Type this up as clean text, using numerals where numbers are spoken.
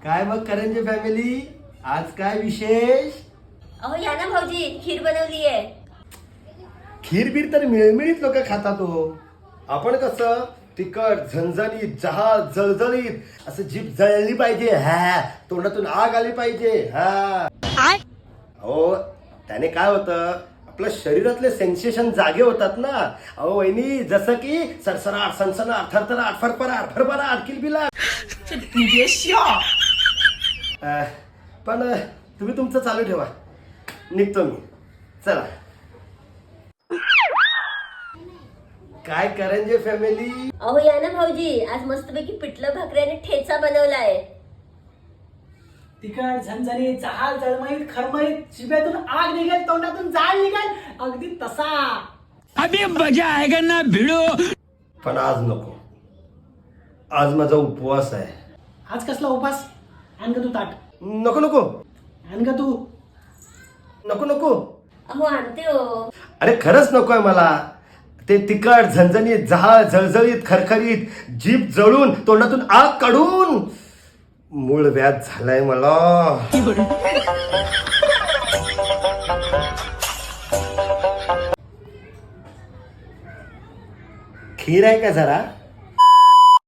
काय मग करंजे फॅमिली, आज काय विशेष? अहो या ना भाऊजी, खीर बनवली आहे. खीर बीर तर मिळमिळीत लोक खातात हो. आपण कसं तिखट झणझणीत जहाज जळजळीत असं जीभ जळली पाहिजे, हा तोंडातून आग आली पाहिजे. हा हो, त्याने काय होतं, आपल्या शरीरातले सेन्सेशन जागे होतात ना. अहो वहिनी, जसं की सरसराट सनसनाट थरथराट फरफराट फरफराट किलबिलाट. पण तुम्ही तुमचं चालू ठेवा, निघतो मी. चला. काय करंजे फॅमिली? अहो या ना भाऊजी, आज मस्तपैकी पिठलं भाकरी आणि ठेचा बनवलाय. तिखट झणझणीत जहाल जळमळीत खरमळीत जिभेतून आग निघेल तोंडातून जाळ निघेल अगदी तसा. अभी मजा आएगा ना भिड़ो. पण आज नको, आज माझा उपवास आहे. आज कसला उपास? आण का तू ताट? नको नको आण का तू? नको नको. अहो आणते हो. अरे खरंच नकोय मला. ते तिखट झणझणीत जहाळ जळजळीत खरखरीत जीभ जळून तोंडातून आग काढून मूळ व्याध झालाय मला. खीर आहे का जरा?